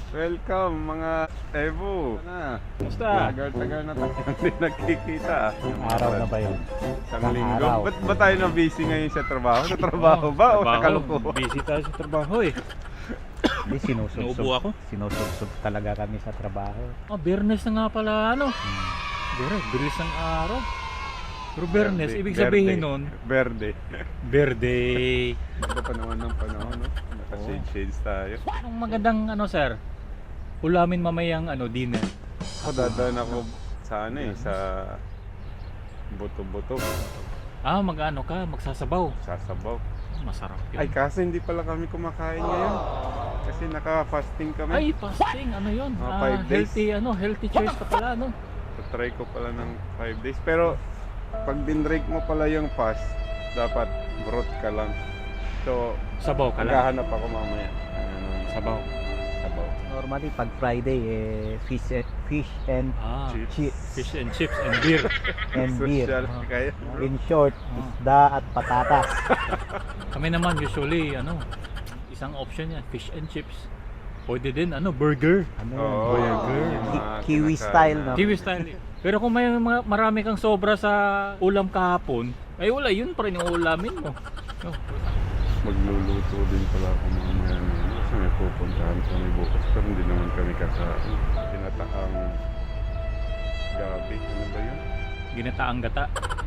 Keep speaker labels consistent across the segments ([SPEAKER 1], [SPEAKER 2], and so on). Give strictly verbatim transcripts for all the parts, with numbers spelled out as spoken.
[SPEAKER 1] Welcome mga Evo. Na.
[SPEAKER 2] Kumusta?
[SPEAKER 1] Tagal-tagal na tayo hindi nagkikita.
[SPEAKER 2] Araw na ba yun?
[SPEAKER 1] Isang
[SPEAKER 2] Isang
[SPEAKER 1] linggo.
[SPEAKER 2] araw.
[SPEAKER 1] Ba't ba tayo na busy ngayon sa trabaho? Sa trabaho ba o sa kalukuhan?
[SPEAKER 3] Busy tayo sa trabaho eh.
[SPEAKER 2] Hindi, sinusubsob.
[SPEAKER 3] Naubo ako.
[SPEAKER 2] Sinusubsob talaga kami sa trabaho.
[SPEAKER 3] Ah, Bernes na nga pala ano.
[SPEAKER 2] Hmm.
[SPEAKER 3] Bernes, bilis ng araw. Pero Bernes,
[SPEAKER 1] Verde.
[SPEAKER 3] ibig sabihin
[SPEAKER 1] Verde.
[SPEAKER 3] nun,
[SPEAKER 1] Verde.
[SPEAKER 3] Verde.
[SPEAKER 1] Ito pa naman ng panahon, no? Naka-shade-shades tayo.
[SPEAKER 3] Anong magandang ano sir? Ulamin mamayang ano, dinner.
[SPEAKER 1] Ako dadaan ako sa ano eh, sa buto-buto.
[SPEAKER 3] Ah, mag-ano ka, magsasabaw.
[SPEAKER 1] Sasabaw.
[SPEAKER 3] Masarap yun.
[SPEAKER 1] Ay, kasi hindi pala kami kumakain ngayon. Kasi naka-fasting kami.
[SPEAKER 3] Ay, fasting, ano yun?
[SPEAKER 1] Mga
[SPEAKER 3] Ah,
[SPEAKER 1] five days.
[SPEAKER 3] healthy, ano, healthy choice ka pala, no?
[SPEAKER 1] Try ko pala ng five days. Pero pag dinrake mo pala yung fast, dapat broth ka lang. So,
[SPEAKER 3] Sabaw ka lang.
[SPEAKER 1] maghahanap ako mamaya. Ano,
[SPEAKER 3] Sabaw.
[SPEAKER 1] Sabaw.
[SPEAKER 2] Normally, pag Friday, eh, fish, and, fish and,
[SPEAKER 3] Ah,
[SPEAKER 1] Chips.
[SPEAKER 2] chips.
[SPEAKER 3] fish and chips and beer.
[SPEAKER 2] and beer.
[SPEAKER 1] Social
[SPEAKER 3] Ah.
[SPEAKER 1] kaya.
[SPEAKER 2] In short, isda at patatas.
[SPEAKER 3] Kami naman usually, ano, isang option yan, fish and chips. Pwede din, ano, burger.
[SPEAKER 2] Ano yun?
[SPEAKER 1] Oo,
[SPEAKER 3] Burger.
[SPEAKER 1] yung mga
[SPEAKER 2] Ki- kiwi
[SPEAKER 1] kinakain
[SPEAKER 2] style,
[SPEAKER 1] na-
[SPEAKER 2] no?
[SPEAKER 3] Kiwi style. Pero kung may mga, marami kang sobra sa ulam kahapon, ay wala, yun pa rin yung ulamin mo. Oh.
[SPEAKER 1] Magluluto din pala ako mamaya ngayon. Kasi may pupuntahan kami bukas. Pero hindi naman kami kakain. Pinataang gabi. Ano ba yun?
[SPEAKER 3] Ginataang gata.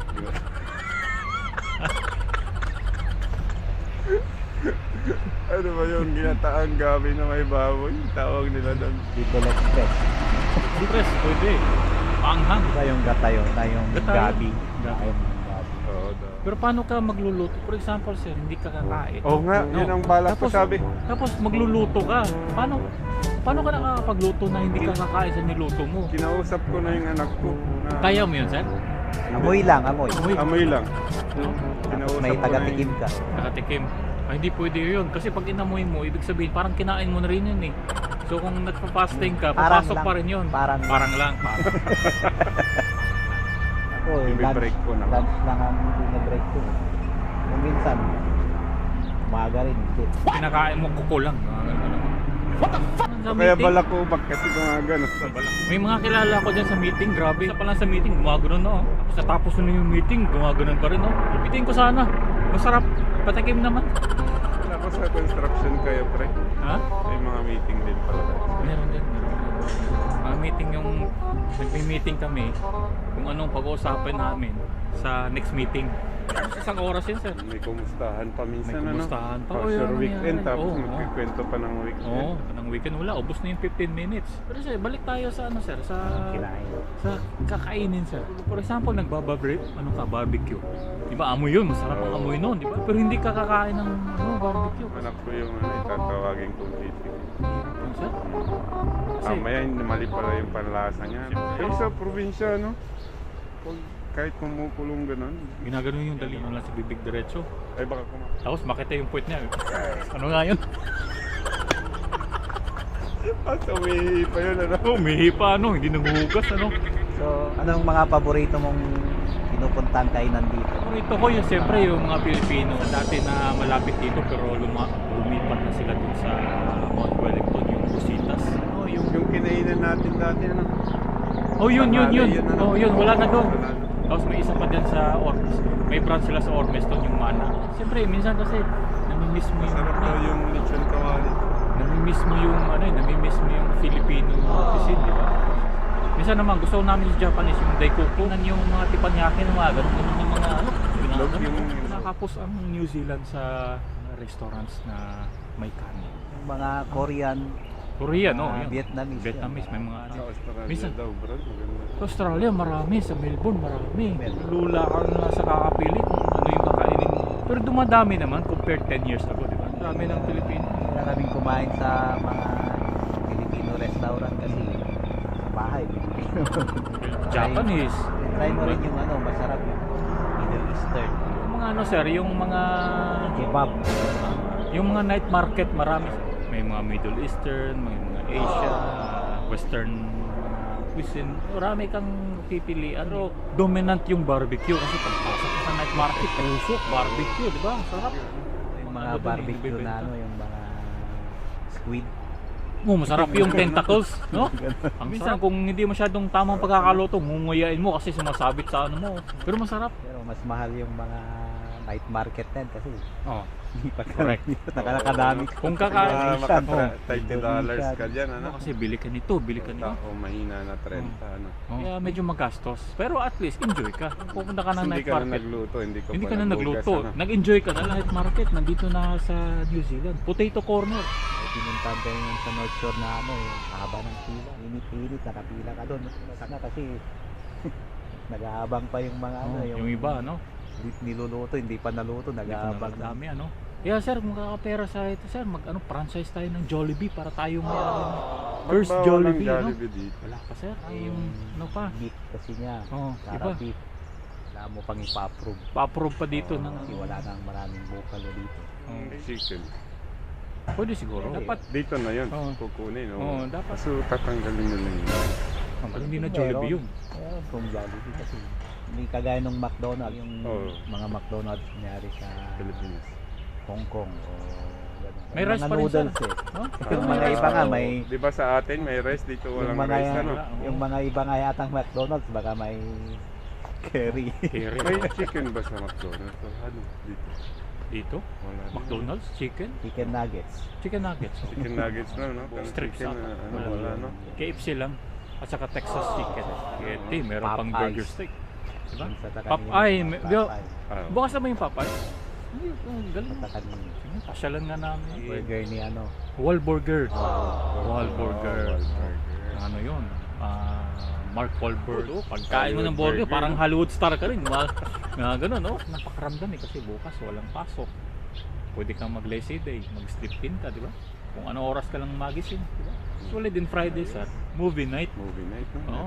[SPEAKER 1] Ano ba yung ginataang gabi na may baboy? Tawag nila doon.
[SPEAKER 2] Dito expect.
[SPEAKER 3] Siyempre, pwede. Paanghang.
[SPEAKER 2] Iba yung gatayo, na yung
[SPEAKER 3] Gatayo.
[SPEAKER 2] gabi.
[SPEAKER 3] Gabi.
[SPEAKER 2] Ayun, yung gabi.
[SPEAKER 1] Oo daw.
[SPEAKER 3] Pero paano ka magluluto? For example, sir, hindi ka kakain.
[SPEAKER 1] Oo nga,
[SPEAKER 3] No.
[SPEAKER 1] yun ang balak ko
[SPEAKER 3] Tapos-
[SPEAKER 1] sabi.
[SPEAKER 3] Tapos magluluto ka. Paano? Paano ka nakakapagluto na hindi ka kakain sa niluto mo?
[SPEAKER 1] Kinausap ko na yung anak ko. Na,
[SPEAKER 3] Kaya mo yun, sir?
[SPEAKER 2] Amoy lang, amoy.
[SPEAKER 3] Amoy.
[SPEAKER 1] Amoy lang.
[SPEAKER 2] Tapos
[SPEAKER 1] Kinausap
[SPEAKER 2] may
[SPEAKER 1] ko na
[SPEAKER 2] taga-tikim
[SPEAKER 1] yun.
[SPEAKER 2] ka.
[SPEAKER 3] Nakatikim. Ay, hindi pwede yun. Kasi pag inamoy mo, ibig sabihin, parang kinain mo na rin yun eh. So kung nagpa-fasting ka,
[SPEAKER 2] Parang
[SPEAKER 3] papasok
[SPEAKER 2] lang.
[SPEAKER 3] pa rin yun.
[SPEAKER 2] Parang,
[SPEAKER 3] Parang lang.
[SPEAKER 2] ako eh, lunch,
[SPEAKER 1] Ibibreak ko na.
[SPEAKER 2] lunch lang ang binibreak ko. Kung minsan, umaga rin, hindi.
[SPEAKER 3] Kinakain mo kuko lang. Mga ganun. What the fuck? Sa
[SPEAKER 1] Kaya
[SPEAKER 3] meeting,
[SPEAKER 1] balakubak kasi gumagano.
[SPEAKER 3] may mga kilala ko dyan sa meeting. Grabe. Isa pa lang sa meeting, gumagano'n na. Oh. Tapos natapos na yung meeting, gumagano'n pa rin. Oh. Ipitin ko sana. Masarap. Patikim naman.
[SPEAKER 1] Ako sa construction kayo, pre.
[SPEAKER 3] Ha?
[SPEAKER 1] May mga meeting din pala.
[SPEAKER 3] Meron din. Mga meeting yung nagmi-meeting kami kung anong pag-uusapan namin sa next meeting. Tapos isang oras yun, sir.
[SPEAKER 1] May kumustahan pa minsan,
[SPEAKER 3] May kumustahan
[SPEAKER 1] ano?
[SPEAKER 3] pa.
[SPEAKER 1] For
[SPEAKER 3] Oh,
[SPEAKER 1] sure
[SPEAKER 3] yun,
[SPEAKER 1] weekend,
[SPEAKER 3] nangyari.
[SPEAKER 1] tapos
[SPEAKER 3] Oo, oo.
[SPEAKER 1] magkikwento pa ng weekend.
[SPEAKER 3] Oo, ng weekend wala. Ubus na yung fifteen minutes. Pero sir, balik tayo sa ano, sir? Sa
[SPEAKER 2] Kinain.
[SPEAKER 3] sa kakainin, sir. For example, nagbababrate, ano ka, barbecue. Di ba, amoy yun. Masarap ang
[SPEAKER 1] Oo.
[SPEAKER 3] amoy nun, di ba? Pero hindi ka kakain ng ano, barbecue.
[SPEAKER 1] Anak ko yung ano, itatawagin kong titik.
[SPEAKER 3] Ano, sir? Kasi,
[SPEAKER 1] Mamaya, hindi mali pala yung panlasa niya. Pero sa probinsya, no? Pag kahit kumukulong ganun,
[SPEAKER 3] ginagano yung dali mo lang sa bibig diretso.
[SPEAKER 1] ay baka kuma...
[SPEAKER 3] Tapos makita yung puwet niya. Ano nga yun?
[SPEAKER 1] Ah, so may pa yun, ano?
[SPEAKER 3] Oh, mihi pa ano, hindi nanguhugas ano.
[SPEAKER 2] So, anong mga paborito mong pinupuntahan kainan dito?
[SPEAKER 3] Paborito ko yung siyempre yung mga Pilipino dati na malapit dito pero luma, lumipat na sila dun sa Mount Wellington, yung Busitas. Oh, yung
[SPEAKER 1] Yung kinainan natin dati, ano?
[SPEAKER 3] Oh, yun yun yun.
[SPEAKER 1] Pangalan ano?
[SPEAKER 3] Oh, yun wala na doon.
[SPEAKER 1] Wala na.
[SPEAKER 3] Tapos may isa pa dyan sa Ormes. May branch sila sa Ormeston yung Mana. Siyempre, minsan kasi nami-miss mo yung
[SPEAKER 1] Masarap daw yung lechon kawali.
[SPEAKER 3] nami-miss mo yung ano, eh, nami-miss mo yung Filipino cuisine, di ba? Minsan naman gusto ko namin sa Japanese yung daikoku, nan yung mga teppanyaki na mga ganun, ganun yung mga ano,
[SPEAKER 1] Love
[SPEAKER 3] ginagawa.
[SPEAKER 1] yung-
[SPEAKER 3] Nakapos ang New Zealand sa mga restaurants na may kanin.
[SPEAKER 2] Yung mga Korean,
[SPEAKER 3] Korea, no?
[SPEAKER 2] mga
[SPEAKER 3] Yun.
[SPEAKER 2] Vietnamese.
[SPEAKER 3] Vietnamese, may mga ano.
[SPEAKER 1] Sa Australia
[SPEAKER 3] Minsan-
[SPEAKER 1] daw, bro. Maganda.
[SPEAKER 3] Sa Australia, marami. Sa Melbourne, marami.
[SPEAKER 2] Melbourne.
[SPEAKER 3] Lula ka na sa kakapili kung ano yung kakainin mo. Pero dumadami naman compared ten years ago, di ba? Dami ng Pilipino.
[SPEAKER 2] Hindi na kaming kumain sa mga Filipino restaurant kasi sa bahay.
[SPEAKER 3] Japanese.
[SPEAKER 2] Try mo rin yung ano, masarap yung Middle Eastern.
[SPEAKER 3] Yung mga ano, sir, yung mga...
[SPEAKER 2] Kebab.
[SPEAKER 3] Yung mga night market, marami. May mga Middle Eastern, may mga Asia, Western cuisine. Marami kang pipilian. Pero dominant yung barbecue kasi pagpasok ka sa night market, pusok, barbecue, di ba? Sarap.
[SPEAKER 2] Yung mga
[SPEAKER 3] Ano dun eh,
[SPEAKER 2] barbecue
[SPEAKER 3] nagbebenta.
[SPEAKER 2] na ano, yung mga squid.
[SPEAKER 3] Oh, masarap yung tentacles, no? Ang minsan kung hindi masyadong tamang pagkakaluto, ngunguyain mo kasi sumasabit sa ano mo. Pero masarap.
[SPEAKER 2] Pero mas mahal yung mga night market din kasi
[SPEAKER 3] Oh,
[SPEAKER 2] hindi pa
[SPEAKER 3] correct.
[SPEAKER 2] Nakakadami.
[SPEAKER 3] Kung
[SPEAKER 1] Kaya
[SPEAKER 3] kakain
[SPEAKER 1] makatra
[SPEAKER 2] oh.
[SPEAKER 1] thirty dollars ka dyan, ano?
[SPEAKER 3] kasi bili ka nito, bili ka nito.
[SPEAKER 1] O mahina na thirty, ano?
[SPEAKER 3] Oh, kaya medyo magastos. Pero at least enjoy ka. Kung pupunta ka ng
[SPEAKER 1] Hindi
[SPEAKER 3] night
[SPEAKER 1] ka na
[SPEAKER 3] market,
[SPEAKER 1] nagluto, hindi ka
[SPEAKER 3] hindi
[SPEAKER 1] pa
[SPEAKER 3] ka na
[SPEAKER 1] naghugas,
[SPEAKER 3] nagluto.
[SPEAKER 1] ano?
[SPEAKER 3] Nag-enjoy ka na night market. Nandito na sa New Zealand. Potato corner.
[SPEAKER 2] Pinuntahan tayo yun sa North Shore na ano, eh, haba ng pila. Init-init, nakapila ka doon. Sana kasi nag-aabang pa yung mga ano,
[SPEAKER 3] Oh, yung iba, no?
[SPEAKER 2] Hindi niluluto, hindi pa naluto, nag-aabang.
[SPEAKER 3] Ang dami, ano? Kaya sir, kung kakapera sa ito, sir, mag ano, franchise tayo ng Jollibee para tayo may ano, first
[SPEAKER 1] Ba't bawal ang
[SPEAKER 3] Jollibee, no?
[SPEAKER 1] Jollibee dito?
[SPEAKER 3] Wala pa sir, ay yung ano pa,
[SPEAKER 2] Beef kasi niya.
[SPEAKER 3] oh,
[SPEAKER 2] Sara
[SPEAKER 3] iba,
[SPEAKER 2] beef. Wala mo pang ipa-approve.
[SPEAKER 3] pa-approve pa dito
[SPEAKER 1] Oh,
[SPEAKER 3] ng
[SPEAKER 2] Kasi wala nang maraming bukalo dito.
[SPEAKER 1] Ang chicken.
[SPEAKER 3] pwede siguro,
[SPEAKER 2] Okay.
[SPEAKER 3] dapat,
[SPEAKER 1] Dito na yun,
[SPEAKER 3] Oo.
[SPEAKER 1] kukunin.
[SPEAKER 3] oh,
[SPEAKER 1] Oh.
[SPEAKER 3] dapat,
[SPEAKER 1] So tatanggalin nila yun.
[SPEAKER 3] pero hindi na Jollibee yun.
[SPEAKER 2] Meron kung Jollibee kasi hindi kagaya ng McDonald's. Yung
[SPEAKER 1] Oo.
[SPEAKER 2] mga McDonald's nangyari sa
[SPEAKER 1] Pilipinas.
[SPEAKER 2] Hong Kong o gano'n.
[SPEAKER 3] May
[SPEAKER 2] Yung
[SPEAKER 3] rice
[SPEAKER 2] mga
[SPEAKER 3] pa rin, sir.
[SPEAKER 2] noodles eh.
[SPEAKER 3] No?
[SPEAKER 2] Yung
[SPEAKER 1] Ah,
[SPEAKER 2] mga iba nga may
[SPEAKER 1] Di ba sa atin may rice, dito
[SPEAKER 2] yung
[SPEAKER 1] walang
[SPEAKER 2] mga,
[SPEAKER 1] rice, ano?
[SPEAKER 3] wala, oo.
[SPEAKER 2] yung mga iba nga yatang McDonald's baka may curry.
[SPEAKER 3] Kere.
[SPEAKER 1] May chicken ba sa McDonald's? O ano? Dito.
[SPEAKER 3] Dito,
[SPEAKER 1] Wala. din.
[SPEAKER 3] McDonald's, chicken,
[SPEAKER 2] Chicken nuggets.
[SPEAKER 3] chicken nuggets, oh.
[SPEAKER 1] Chicken nuggets lang, no? Pero
[SPEAKER 3] Strips
[SPEAKER 1] chicken,
[SPEAKER 3] up.
[SPEAKER 1] na, ano,
[SPEAKER 3] Wala.
[SPEAKER 1] wala, no?
[SPEAKER 3] K F C lang, at saka Texas chicken. K F C, meron pang
[SPEAKER 2] Popeyes.
[SPEAKER 3] burger steak. Diba?
[SPEAKER 2] Yung sa
[SPEAKER 3] Pop-
[SPEAKER 2] Takanini,
[SPEAKER 3] ay,
[SPEAKER 2] mga
[SPEAKER 3] may- di-
[SPEAKER 2] Popeye.
[SPEAKER 1] Ah,
[SPEAKER 3] Bukas na ba yung Popeye? Ay, oh, galing.
[SPEAKER 2] Sa Takanini.
[SPEAKER 3] Sige, pasyalan nga namin.
[SPEAKER 2] Burger ni ano.
[SPEAKER 3] Wahlburger.
[SPEAKER 2] Wow.
[SPEAKER 3] Wahlburger.
[SPEAKER 1] Oh, Wahlburger.
[SPEAKER 3] Ano yun? Ah, Mark Wahlberg. Oh, pagkain mo ng
[SPEAKER 1] Hollywood
[SPEAKER 3] burger,
[SPEAKER 1] burger,
[SPEAKER 3] parang
[SPEAKER 1] no?
[SPEAKER 3] Hollywood star ka rin. Mga, mga ganun, no? Napakaramdam eh kasi bukas walang pasok. Pwede kang mag-lazy day, mag-sleep in ka, di ba? Kung ano oras ka lang magising, di ba? Usually din Friday, sir. Movie night.
[SPEAKER 1] Movie night, no?
[SPEAKER 3] Oo.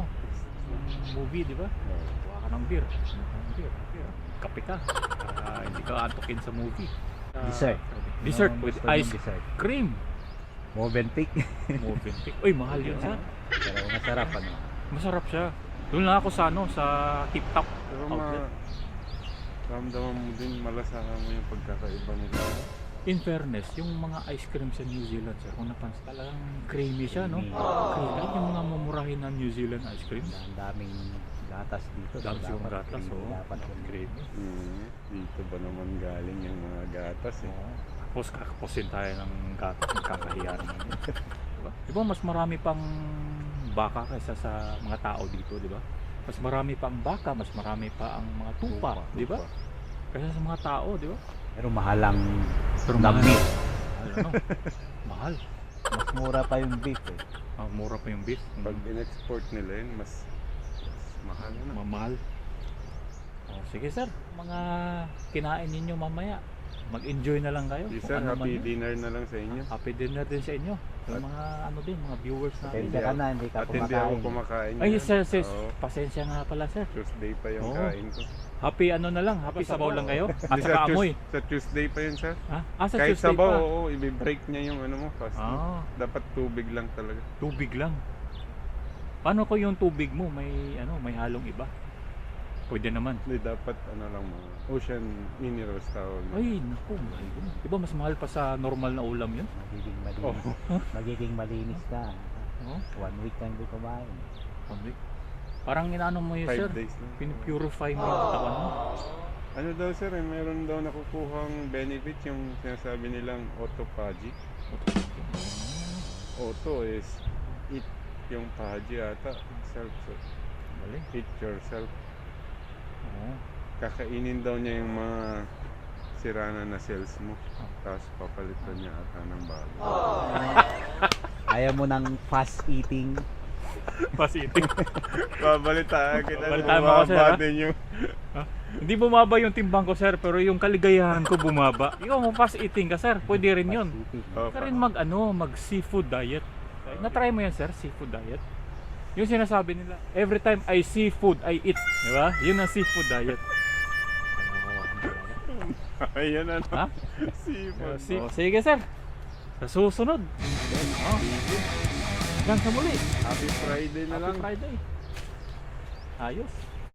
[SPEAKER 3] Movie, di ba?
[SPEAKER 1] Oh.
[SPEAKER 3] Kuha ka ng beer. Kuha ka ng beer. beer. Kape ka. Para hindi ka antukin sa movie. Ah,
[SPEAKER 2] Dessert.
[SPEAKER 3] Dessert
[SPEAKER 2] Ano ang
[SPEAKER 3] with
[SPEAKER 2] gusto niyong
[SPEAKER 3] ice
[SPEAKER 2] dessert?
[SPEAKER 3] cream.
[SPEAKER 2] Movenpick.
[SPEAKER 3] Movenpick. Uy, mahal yun, sir.
[SPEAKER 2] Pero masarap ano.
[SPEAKER 3] Masarap siya. Doon lang ako sa ano, sa Tip Top
[SPEAKER 1] Pero
[SPEAKER 3] outlet.
[SPEAKER 1] ma... Ramdaman mo din, malasahan mo yung pagkakaiba nila.
[SPEAKER 3] In fairness, yung mga ice cream sa New Zealand, sir, kung napansin, talagang creamy siya, no?
[SPEAKER 2] Creamy.
[SPEAKER 3] Creamy. Kahit yung mga mamurahin na New Zealand ice cream.
[SPEAKER 2] Ang daming gatas dito.
[SPEAKER 3] Dami
[SPEAKER 2] so
[SPEAKER 3] yung
[SPEAKER 2] dapat
[SPEAKER 3] gatas,
[SPEAKER 2] creamy,
[SPEAKER 3] oh.
[SPEAKER 2] Dapat yung
[SPEAKER 3] Creamy.
[SPEAKER 1] Mm, dito ba naman galing yung mga gatas eh?
[SPEAKER 3] Oo. Tapos kakapusin tayo ng gatas, magkakahiya naman yun. Diba? Diba mas marami pang baka kaysa sa mga tao dito, di ba? Mas marami pang baka, mas marami pa ang mga tupa, di ba? Kaysa sa mga tao, di ba?
[SPEAKER 2] Pero mahal ang
[SPEAKER 3] Pero
[SPEAKER 2] the
[SPEAKER 3] mahal.
[SPEAKER 2] meat.
[SPEAKER 3] Mahal, ano? Mahal.
[SPEAKER 2] Mas mura pa yung beef eh.
[SPEAKER 3] Ah, mura pa yung beef.
[SPEAKER 1] Pag in-export nila yun, mas, mas mahal na.
[SPEAKER 3] Mamahal. Oh, sige sir, mga kinain ninyo mamaya. Mag-enjoy na lang kayo.
[SPEAKER 1] Yes,
[SPEAKER 3] Kung
[SPEAKER 1] sir,
[SPEAKER 3] ano man
[SPEAKER 1] happy
[SPEAKER 3] yun.
[SPEAKER 1] dinner na lang sa inyo.
[SPEAKER 3] Happy dinner din sa inyo. Sa mga ano din, mga viewers natin.
[SPEAKER 2] Pasensya ka na, hindi ka
[SPEAKER 1] At hindi ako
[SPEAKER 2] kumakain.
[SPEAKER 1] kumakain.
[SPEAKER 3] Ay,
[SPEAKER 1] yan.
[SPEAKER 3] sir, sis,
[SPEAKER 1] Oo,
[SPEAKER 3] pasensya nga pala sir.
[SPEAKER 1] Tuesday pa yung
[SPEAKER 3] Oo.
[SPEAKER 1] kain ko.
[SPEAKER 3] Happy ano na lang, happy sabaw lang kayo. At
[SPEAKER 1] Hindi,
[SPEAKER 3] saka
[SPEAKER 1] sa,
[SPEAKER 3] amoy.
[SPEAKER 1] Tues- sa Tuesday pa yun, sir.
[SPEAKER 3] Ha? Ah, sa
[SPEAKER 1] Kahit
[SPEAKER 3] Tuesday
[SPEAKER 1] sabaw,
[SPEAKER 3] pa.
[SPEAKER 1] oo, i-break niya yung ano mo, fast.
[SPEAKER 3] Ah,
[SPEAKER 1] Dapat tubig lang talaga.
[SPEAKER 3] tubig lang. Paano ko yung tubig mo? May ano, may halong iba? Pwede naman.
[SPEAKER 1] Hindi, dapat ano lang mga ocean minerals tawag. na.
[SPEAKER 3] Ay, naku, mahal yun. Diba mas mahal pa sa normal na ulam yun?
[SPEAKER 2] Magiging
[SPEAKER 1] Oh.
[SPEAKER 2] malinis. Magiging malinis ka.
[SPEAKER 3] Oh,
[SPEAKER 2] One week na hindi kumain.
[SPEAKER 3] one week. Parang inaano mo yun,
[SPEAKER 1] Five
[SPEAKER 3] sir.
[SPEAKER 1] days lang.
[SPEAKER 3] Pinipurify mo yung katawan mo.
[SPEAKER 1] Ano daw sir, eh, meron daw nakukuhang benefit yung sinasabi nilang autophagy. Auto is eat yung phagy ata. Self, so,
[SPEAKER 3] Mali.
[SPEAKER 1] eat yourself.
[SPEAKER 3] Oo.
[SPEAKER 1] Kakainin daw niya yung mga sirana na cells mo. Tapos papalitan niya ata ng bago.
[SPEAKER 2] Ayaw mo ng fast eating.
[SPEAKER 3] Pasiting.
[SPEAKER 1] Babalitaan kita.
[SPEAKER 3] Babalitaan mo ako, sir,
[SPEAKER 1] bumaba
[SPEAKER 3] ha?
[SPEAKER 1] din yung...
[SPEAKER 3] Hindi bumaba yung timbang ko, sir, pero yung kaligayahan ko bumaba. Ikaw mo fast eating ka, sir. Pwede rin yun.
[SPEAKER 2] Fast eating.
[SPEAKER 1] Oh,
[SPEAKER 3] Ka rin mag ano, mag seafood diet. Na-try mo yan, sir, seafood diet. Yung sinasabi nila, every time I see food, I eat. Di ba? Yun ang seafood diet.
[SPEAKER 1] Ayan ano.
[SPEAKER 3] Ha?
[SPEAKER 1] Seafood.
[SPEAKER 3] Si oh, sige, sir. Sa susunod. Oh. Hanggang sa muli.
[SPEAKER 1] Happy Friday na
[SPEAKER 3] Happy
[SPEAKER 1] lang.
[SPEAKER 3] Friday. Ayos.